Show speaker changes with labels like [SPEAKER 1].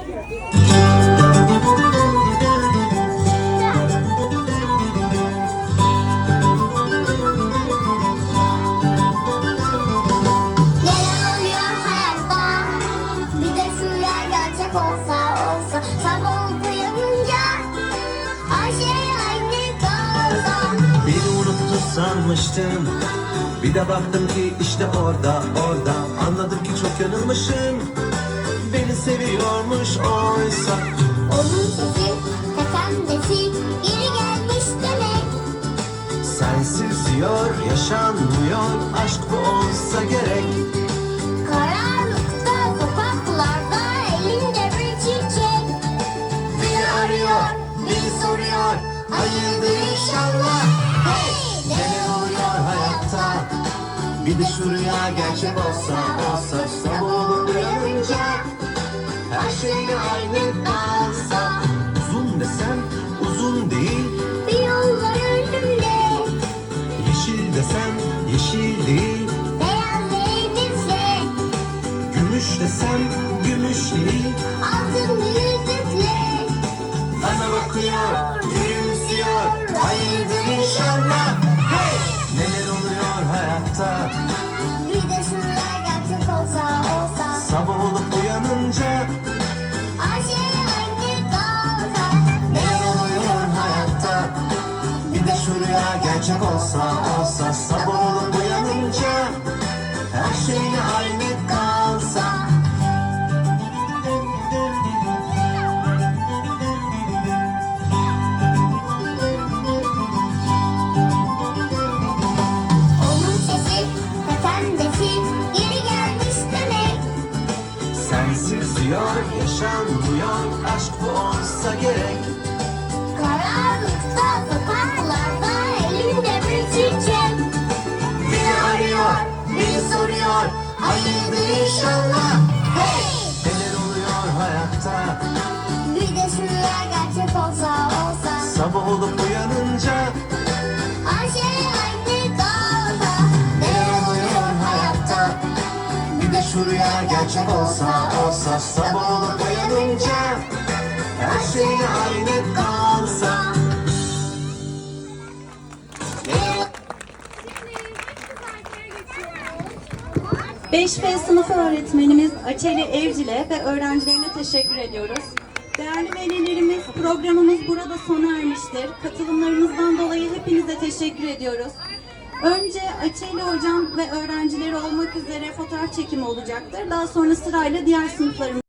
[SPEAKER 1] Sanmıştım, bir de baktım ki işte orada anladım ki çok yanılmışım. Beni seviyormuş oysa.
[SPEAKER 2] Onun sesi, efendisi, geri gelmiş demek.
[SPEAKER 1] Sensiz diyor, yaşanmıyor, aşk bu olsa gerek.
[SPEAKER 2] Karanlıkta, sokaklarda, elinde bir çiçek.
[SPEAKER 1] Beni arıyor, beni soruyor, hayırdır inşallah. Hey! Neler oluyor hayatta? Bir de şu rüya gerçek olsa sabah olup uyanınca her şey aynı kalsa. Uzun desem uzun değil,
[SPEAKER 2] Bir yol var önümde,
[SPEAKER 1] yeşil desem yeşil değil,
[SPEAKER 2] beyaz elbise,
[SPEAKER 1] gümüş desem gümüş değil.
[SPEAKER 2] altın yüzükle.
[SPEAKER 1] Bana bakıyor, gülümsüyor, hayırdır inşallah. Hey! Neler oluyor hayatta?
[SPEAKER 2] Bir de şunlar gerçek olsa
[SPEAKER 1] Sabah olup uyanınca
[SPEAKER 2] her şey aynı kalsa.
[SPEAKER 1] neler oluyor hayatta? Bir de şu rüya gerçek olsa sabah olup uyanınca her şey aynı kalsa.
[SPEAKER 2] Onun sesi, efendisi, geri gelmiş demek.
[SPEAKER 1] Sensiz diyor, yaşanmıyor, aşk bu olsa gerek.
[SPEAKER 2] Karanlıkta, sokaklarda, elinde bir çiçek.
[SPEAKER 1] Beni arıyor, beni soruyor, hayırdır inşallah. Hey! Neler oluyor hayatta?
[SPEAKER 2] Bir de şunlar gerçek olsa
[SPEAKER 1] Sabah olup uyanınca
[SPEAKER 2] her şey aynı kalsa.
[SPEAKER 1] neler oluyor hayatta? Bir de şu rüya gerçek olsa sabah olup uyanınca her şey aynı kalsa.
[SPEAKER 3] Beş b sınıf öğretmenimiz Açeli Evcil'e ve öğrencilerine teşekkür ediyoruz. Değerli velilerimiz, programımız burada sona ermiştir. Katılımlarınızdan dolayı hepinize teşekkür ediyoruz. Önce Açeli Hocam ve öğrencileri olmak üzere fotoğraf çekimi olacaktır. Daha sonra sırayla diğer sınıflarımız